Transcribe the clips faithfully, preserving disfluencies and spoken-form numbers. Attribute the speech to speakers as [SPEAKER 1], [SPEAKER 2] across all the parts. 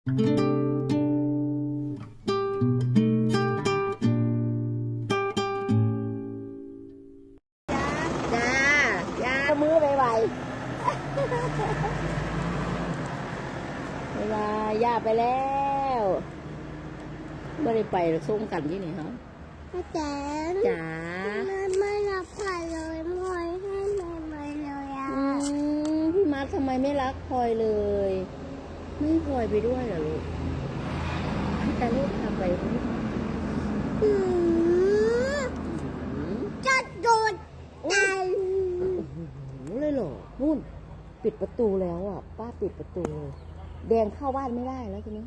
[SPEAKER 1] จ้าจ้ามือไปไหวเวลาย่าไปแล้วไม่ได้ไปส่งกันที่นี่ฮะ
[SPEAKER 2] จ๋า
[SPEAKER 1] จ๋า
[SPEAKER 2] ไม่ไม่รับพลอยเลยพลอยให้ไม่ไม่เลยอ่ะ
[SPEAKER 1] พี่มาร์คทำไมไม่รักพลอยเลยไม่พลอยไปด้วยเหรอลูกแต่ลูกพาไป
[SPEAKER 2] อืมจะโดนตัน
[SPEAKER 1] เลยเหรอนู่นปิดประตูแล้วอ่ะป้าปิดประตูเลยแดงเข้าบ้านไม่ได้แล้วทีนี้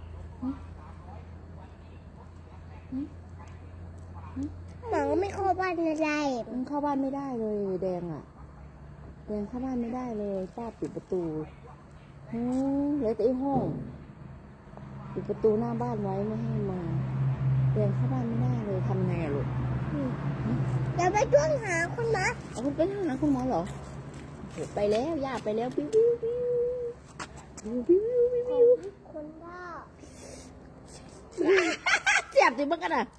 [SPEAKER 2] หมาก็ไม่เข้าบ้านอะไร
[SPEAKER 1] มันเข้าบ้านไม่ได้เลยแดงอ่ะแดงเข้าบ้านไม่ได้เลยป้าปิดประตูอืมเหลือแต่ไอ้ห้องปิดประตูหน้าบ้านไว้ไม่ให้มาแดงเข้าบ้านไม่ได้เลยทำไงอะลูก
[SPEAKER 2] เดี๋ยวไปช่วยหาคุณหมอ
[SPEAKER 1] เอาคุณไปหาคุณหมอเหรอไปแล้วย่าไปแล้วปิ้วปิ้วปิ้วปิ้วปิ้วปิ้ว
[SPEAKER 2] คนบ้า
[SPEAKER 1] เจ็บจริงมั้งกันอ่ะ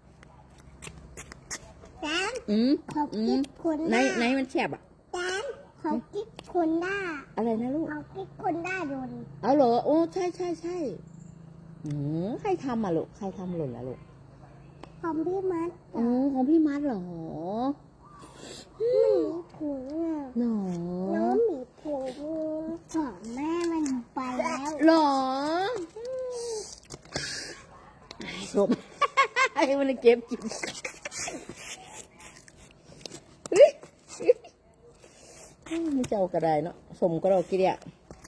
[SPEAKER 2] แดน
[SPEAKER 1] อืม
[SPEAKER 2] เขาคิดคน
[SPEAKER 1] ไหน
[SPEAKER 2] ได้
[SPEAKER 1] ไหนมันแฉบอ่ะ
[SPEAKER 2] แดนเขาคิดคนได้
[SPEAKER 1] อะไรนะลูก
[SPEAKER 2] เขาคิดคนได้โดน
[SPEAKER 1] เอาเหรอโอ้ใช่ใช่ใช่อืมใครทำอ่ะลูกใครทำหล่นล่ะลูก
[SPEAKER 2] ของพี่มัด
[SPEAKER 1] อ๋อของพี่มัดเหรอ
[SPEAKER 2] หมีถุงอ่ะ
[SPEAKER 1] หรอ
[SPEAKER 2] น้องหมีถุงของแม่มันไปแล้ว
[SPEAKER 1] หรอสมไอ้มันเก็บกินไม่เจ้ากระไดเนาะสมก็เรากินอ่ะ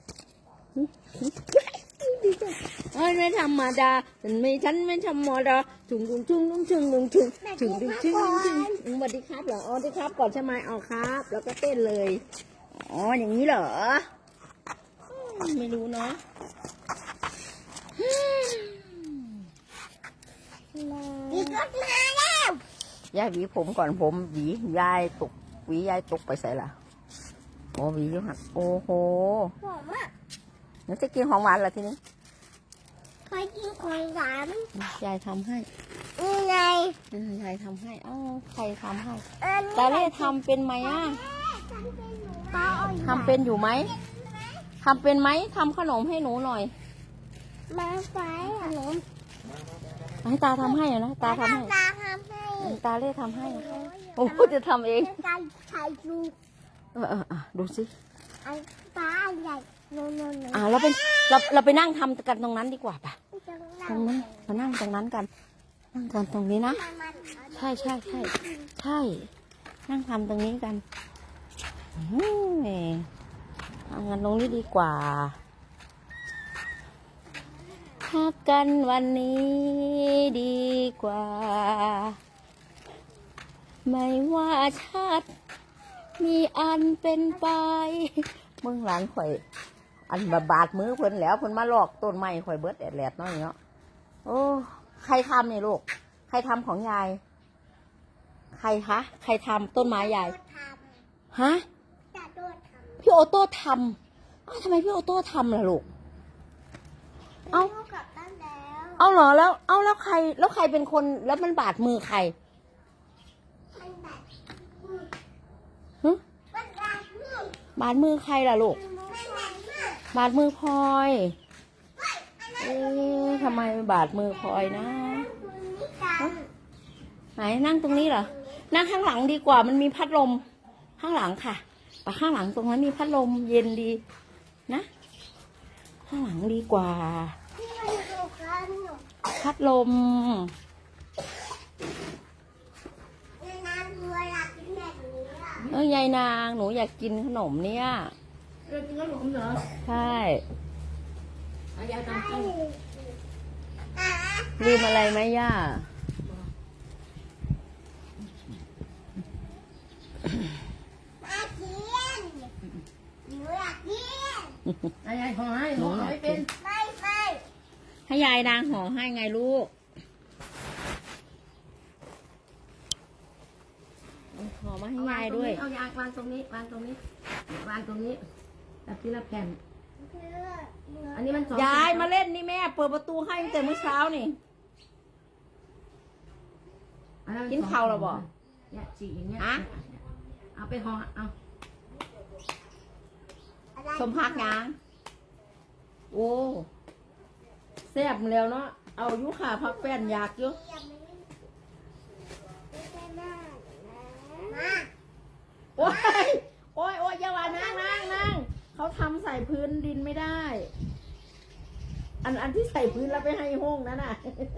[SPEAKER 1] เอ้ยไม่ธรรมดาฉันไม่ฉันไม่ธรรมดาถุงถุงถุงถุงถุงถุงถุงถุงถุงถุงถุงสวัสดีครับเหรออ๋อสวัสดีครับก่อนใช่ไหมอ๋อครับแล้วก็เต้นเลยอ๋ออย่างนี้เหรอไม่รู้เนาะ
[SPEAKER 2] อีกรถมาแล้ว
[SPEAKER 1] ยายหวีผมก่อนผมหวียายตกหวียายตกไปใส่ละโอ้หวีอยู่หักโอ้โห
[SPEAKER 2] หอมอ่ะ
[SPEAKER 1] นี่จะกินของหวานเหรอทีนี้
[SPEAKER 2] ใครกินของหวาน
[SPEAKER 1] ยายทำให้
[SPEAKER 2] ยังไง
[SPEAKER 1] ยายทำให้อ้าวใครทำให้ตาเล่ทำเป็นไหมอ่ะทำเป็นอยู่ไหมทำเป็นไหมทำขนมให้หนูหน่อย
[SPEAKER 2] มาไฟขนม
[SPEAKER 1] ให้ตาทำให้นะตาทำให้
[SPEAKER 2] ตาทำให้
[SPEAKER 1] ตาเล่ทำให้โอ้จะทำเอง
[SPEAKER 2] ตาใช้ดู
[SPEAKER 1] เออเออดูสิ
[SPEAKER 2] ตาใหญ่โน่นโน่น
[SPEAKER 1] อ่าเราเป็นเราเราไปนั่งทำกันตรงนั้นดีกว่าป่ะตรงนั้นมานั่งตรงนั้นกันนั่งกันตรงนี้นะใช่ใช่ใช่ใช่นั่งทำตรงนี้กันทำกันตรงนี้ดีกว่าพักกันวันนี้ดีกว่าไม่ว่าชาติมีอันเป็นไปเมืองหลานข่อยอันบาดมือเพิ่นแล้วเพิ่นมาลอกต้นไม้ข่อยเบิดแดดแหลดน้อยเนาะโอ้ใครทำเนี่ยลูกใครทำของยายใครคะใครทำต้นไม้ยายฮะพี่โอโต้ทำอ้าวทำไมพี่โอโต้ทำล่ะลูกเอาเอาเหรอแล้วเอาแล้วใครแล้วใครเป็นคนแล้วมันบาดมือใครฮะบาดมือใครล่ะลูกบาดมือพลอยเอ๊ะทำไมบาดมือพลอยนะไหนนั่งตรงนี้เหรอนั่งข้างหลังดีกว่ามันมีพัดลมข้างหลังค่ะไปข้างหลังตรงนั้นมีพัดลมเย็นดีนะข้างหลังดีกว่าพัดลมเออยายนางหนูอยากกินขนมเนี่ย
[SPEAKER 2] อยากกินขนมเหรอ
[SPEAKER 1] ใช่ลืมอะไรไหมย่า
[SPEAKER 2] ให้ยายห่อให้ห่อให้เป็นไม่ไม่
[SPEAKER 1] ให้ยายนางห่อให้ไงลูกห่อมาให้ยายด้วย
[SPEAKER 2] เอายางวางตรงนี้วางตรงนี้วางตรงนี้แบบที่ละแผ่น
[SPEAKER 3] อันนี้มันสอง
[SPEAKER 1] ยายมาเล่นนี่แม่เปิดประตูให้ตั้งแต่เมื่อเช้านี่
[SPEAKER 3] อัมั
[SPEAKER 1] กินข้าวแล้วบ่
[SPEAKER 3] เนี่ยจีอย่างเงี้ย
[SPEAKER 1] ฮะ
[SPEAKER 3] เอาไปห่อเอา
[SPEAKER 1] สมพักยังโอ้แซ่บแล้วเนาะเอาอยุขาพักแป้นอยากอยู่
[SPEAKER 2] มา
[SPEAKER 1] โอ้ยโอ้ยโอ้ยอย่าว่านั่งนั่งนั่งเขาทำใส่พื้นดินไม่ได้ อันอันที่ใส่พื้นแล้วไปให้ห้องนั่นน่ะ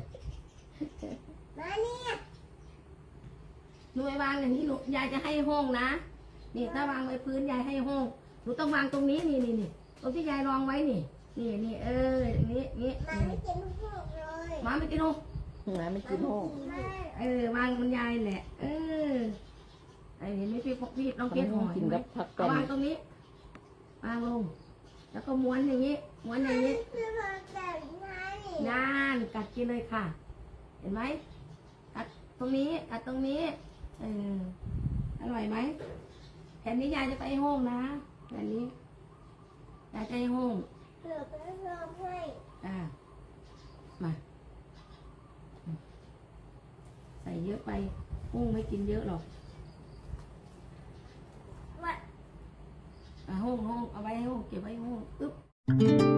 [SPEAKER 2] มาเนี่ย
[SPEAKER 3] หนูไปวางอย่างนี้หนูยายจะให้ห้องนะนี่ถ้าวางไว้พื้นยายให้ห้องหนูต้องวางตรงนี้นี่นี่นี่ตรงที่ยายรองไว้นี่นี่นี่เอออย่างนี้นี่
[SPEAKER 2] มาไม่กินพวกเลย
[SPEAKER 3] มาไม่กินห้อง
[SPEAKER 1] หมาไม่กินห้อง
[SPEAKER 2] ไม่
[SPEAKER 3] เออวางมันยายแหละ เออไอ้เห็นไหมพี่พกพี่น้องเพชรห่อ
[SPEAKER 1] กิ
[SPEAKER 3] เห็
[SPEAKER 1] น
[SPEAKER 3] นไหม
[SPEAKER 1] กับผัก
[SPEAKER 3] เอา
[SPEAKER 1] แป้น
[SPEAKER 3] วางตรงนี้วางลง แล้วก็ม้วนอย่างนี้ม้วนอย่างนี้
[SPEAKER 2] คือพอแต่งงาน
[SPEAKER 3] นานกัดกินเลยค่ะ เห็นไหมกัดตรงนี้กัดตรงนี้เอออร่อยไหมแผ่นนี้ยายจะไปห้องนะแผ่นนี้ยายจะให้ห้อง
[SPEAKER 2] เดี๋ยวไปรอให้
[SPEAKER 3] อ่ามาใส่เยอะไปห้องไม่กินเยอะหรอก
[SPEAKER 2] ว่า
[SPEAKER 3] อ่ะห้องห้องเอาไว้ให้ห้องเก็บไว้ให้ห้องอึ๊บ